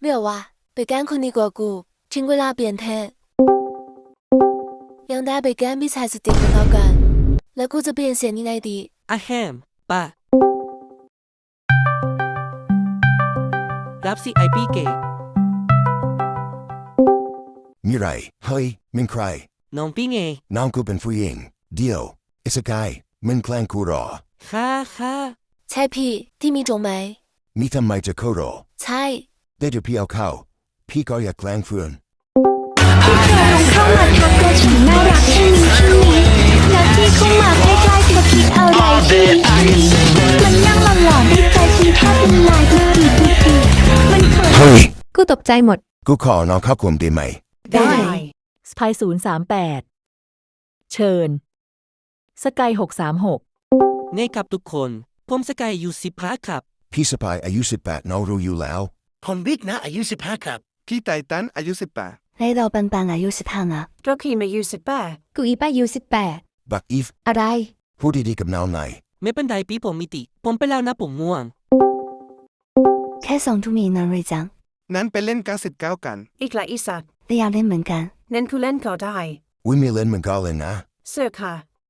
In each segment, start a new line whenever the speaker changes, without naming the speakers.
ไม่เอาวะไปแกล้งคนดีกว่ากูทิ้งเวลาเปลี่ยนเทศยังได้ไปแกล้งพี่ชายสุดติดของเรากันแล้วกูจะเปลี่ยนเสียงยังไงดี
อะแฮมป่ะรับสิไอพี่เก๋
มีไรเฮ้ยมึงใคร
น้องพี่ไง
น้องกูเป็นผู้หญิงเดียวไอ้สกายมึงแกล้งกูหรอ
ค่ะ
ใช่พี่ที่มีตรงไหม
มีทำไมจะโคโร
ใช่
ได้จะพี่เอาเข้าพี่ก็อยากแกล้งเฟื่อน
พี่เคยลองเข้ามาทักว่าฉันน่ารักใช่ไหมแล้วพี่เข้ามาใกล้ๆเธอคิดอะไรที่มันนั่งหล่อๆในใจฉันแทบละลายทุกทีมันเขิน
เฮ้ย
กูตกใจหมด
กูขอน้องเข้ากลุ่มได้ไหม
ได้สไป038เชิญสกาย636
เน่กับทุกคนผมสกายอยู่15ครับ
พี่สปายอายุ18น้องรู้อยู่แล้ว
คนบิ๊กนะอายุ15ครับ
พี่ไททันอายุ18
来到班班อายุ15นะ
โรคีมาอายุ18
กูอีป้าอายุ18
บักอีฟ
อะไร
พูดดีๆกับน้องหน่อย
ไม่เป็นไรพี่ผมมิติผมไปแล้วนะผมง่วง
แค่2 ทุ่มเองนะเรจัง
นั้นไปเล่น99กัน
อีกหลายอีสัตว์
แต่อยากเล่นเหมือนกัน
เน้นคือเล่นก็ได้
อุ้ยมีเล่นเหมือนกันเลยนะ
เสื้อค่ะ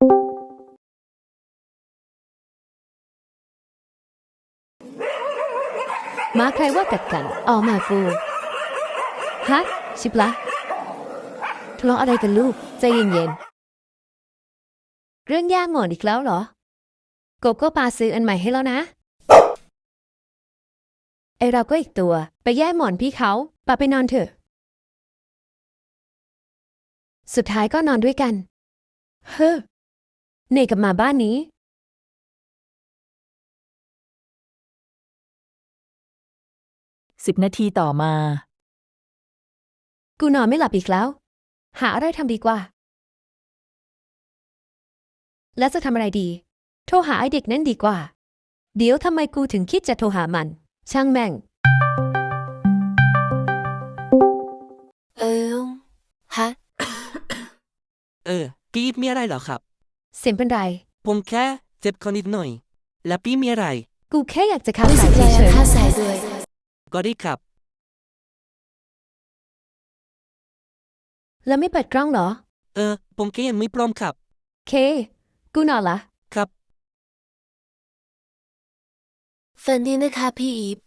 มาใครว่ากัดกันออกมากูฮะชิบละทะเลาะอะไรกันลูกใจเย็นๆเรื่องย่างหมอนอีกแล้วเหรอโกโก้ปาซื้ออันใหม่ให้แล้วนะไอเราก็อีกตัวไปแย่หมอนพี่เขาปาไปนอนเถอะสุดท้ายก็นอนด้วยกันเฮ้อเนกลับมาบ้านนี้
10 นาทีต่อมา
กูนอนไม่หลับอีกแล้วหาอะไรทำดีกว่าแล้วจะทำอะไรดีโทรหาไอเด็กนั่นดีกว่าเดี๋ยวทำไมกูถึงคิดจะโทรหามันช่างแม่งฮะ
พี่มีอะไรเหรอครับ
เสียงเป็นไร
ผมแค่เจ็บคอนิดหน่อยแล้วพี่มีอะไร
กูแค่อยากจะฆ่าสายเฉย
ๆก็ได้ครับ
แล้วไม่เปิดกล้องเหรอ
ผมแค่ยังไม่พร้อมครับ
เคกูนอนละ
ครับ
ฝันดีนะคะพี่อีฟ